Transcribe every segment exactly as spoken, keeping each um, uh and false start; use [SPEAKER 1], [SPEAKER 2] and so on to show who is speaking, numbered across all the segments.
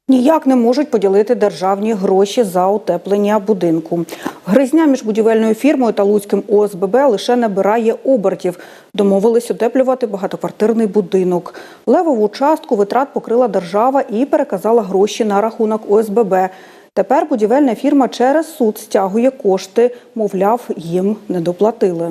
[SPEAKER 1] Ніяк не можуть поділити державні гроші за утеплення будинку. Гризня між будівельною фірмою та Луцьким О С Б Б лише набирає обертів. Домовились утеплювати багатоквартирний будинок. Левову частку витрат покрила держава і переказала гроші на рахунок О С Б Б. Тепер будівельна фірма через суд стягує кошти, мовляв, їм не доплатили.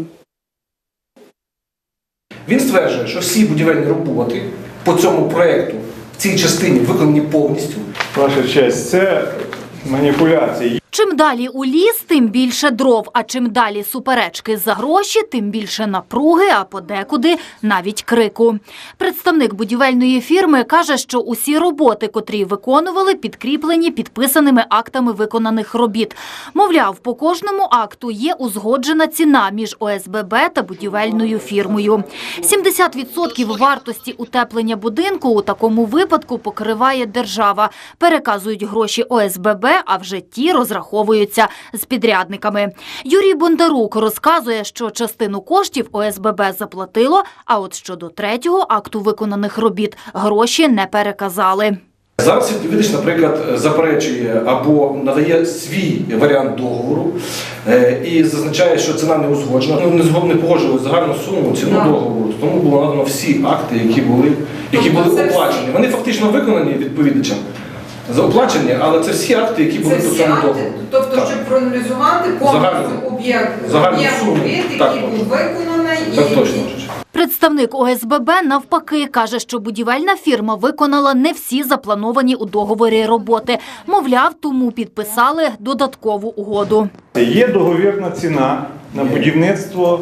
[SPEAKER 2] Він стверджує, що всі будівельні роботи по цьому проєкту в цій частині виконані повністю.
[SPEAKER 3] Ваша честь, це маніпуляції.
[SPEAKER 4] Чим далі у ліс, тим більше дров, а чим далі суперечки за гроші, тим більше напруги, а подекуди навіть крику. Представник будівельної фірми каже, що усі роботи, котрі виконували, підкріплені підписаними актами виконаних робіт. Мовляв, по кожному акту є узгоджена ціна між О С Б Б та будівельною фірмою. сімдесят відсотків вартості утеплення будинку у такому випадку покриває держава. Переказують гроші О С Б Б, а вже ті розраховуються з підрядниками. Юрій Бондарук розказує, що частину коштів О С Б Б заплатило, а от щодо третього акту виконаних робіт гроші не переказали.
[SPEAKER 2] Зараз відповідач, наприклад, заперечує або надає свій варіант договору і зазначає, що ціна не узгоджена. Ну, не згодом не погоджували загальну суму, ціну договору. Тому було надано всі акти, які були, які були оплачені. Вони фактично виконані відповідачем. Заоплачені, але це всі акти, які були по цьому договору.
[SPEAKER 5] Тобто, так, щоб проаналізувати повністю об'єкт робіт, який був виконаний.
[SPEAKER 2] Так,
[SPEAKER 5] і...
[SPEAKER 2] точно.
[SPEAKER 4] Представник О С Б Б навпаки каже, що будівельна фірма виконала не всі заплановані у договорі роботи. Мовляв, тому підписали додаткову угоду.
[SPEAKER 3] Є договірна ціна на будівництво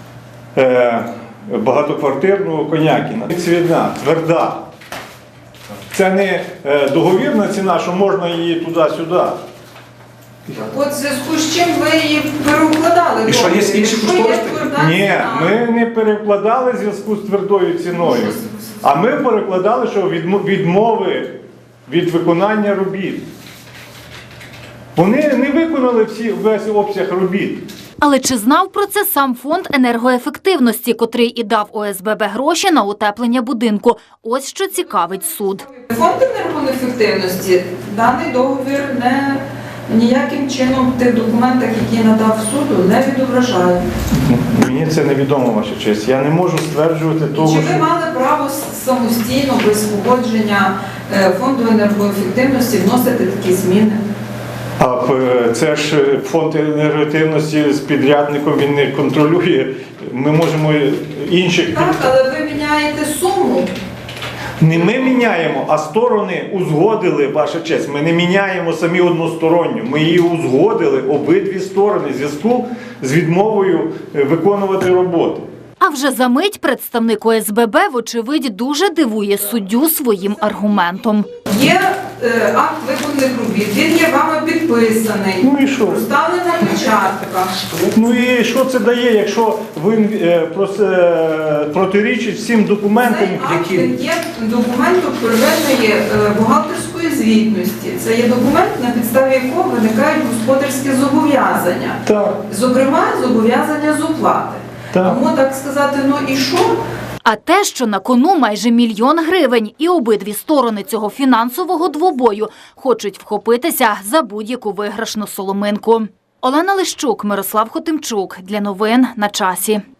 [SPEAKER 3] е, багатоквартирного Конякіна. Цвідна, тверда. Це не е, договірна ціна, що можна її туди-сюди.
[SPEAKER 5] От в зв'язку з чим ви її переукладали?
[SPEAKER 2] І що, є інші кошториси?
[SPEAKER 3] Ні, ми не перекладали в зв'язку з твердою ціною, а ми перекладали, що відмови від виконання робіт. Вони не виконали всі, весь обсяг робіт.
[SPEAKER 4] Але чи знав про це сам фонд енергоефективності, котрий і дав О С Б Б гроші на утеплення будинку? Ось що цікавить суд.
[SPEAKER 5] Фонд енергоефективності даний договір не ніяким чином в тих документах, які надав суду, не відображає.
[SPEAKER 3] Мені це невідомо, ваша честь. Я не можу стверджувати того,
[SPEAKER 5] чи ви мали право самостійно, без погодження фонду енергоефективності вносити такі зміни?
[SPEAKER 3] А це ж фонд енергоефективності з підрядником, він не контролює. Ми можемо інших...
[SPEAKER 5] Так, але ви міняєте суму.
[SPEAKER 3] Не ми міняємо, а сторони узгодили, ваша честь. Ми не міняємо самі односторонньо. Ми її узгодили, обидві сторони, в зв'язку з відмовою виконувати роботи.
[SPEAKER 4] А вже за мить представник О С Б Б, вочевидь, дуже дивує суддю своїм аргументом.
[SPEAKER 5] Є е, акт виконаних робіт, він є вами підписаний,
[SPEAKER 3] ну і що?
[SPEAKER 5] Проставлена печатка.
[SPEAKER 3] Ну і що це дає, якщо він е, е, протирічить всім документам,
[SPEAKER 5] які...
[SPEAKER 3] які...
[SPEAKER 5] Це є документом первинної е, бухгалтерської звітності. Це є документ, на підставі якого виникають господарські зобов'язання.
[SPEAKER 3] Так.
[SPEAKER 5] Зокрема, зобов'язання з оплати.
[SPEAKER 3] Так.
[SPEAKER 5] Тому так сказати, ну і що?
[SPEAKER 4] А те, що на кону майже мільйон гривень, і обидві сторони цього фінансового двобою хочуть вхопитися за будь-яку виграшну соломинку. Олена Лищук, Мирослав Хотимчук. Для новин на часі.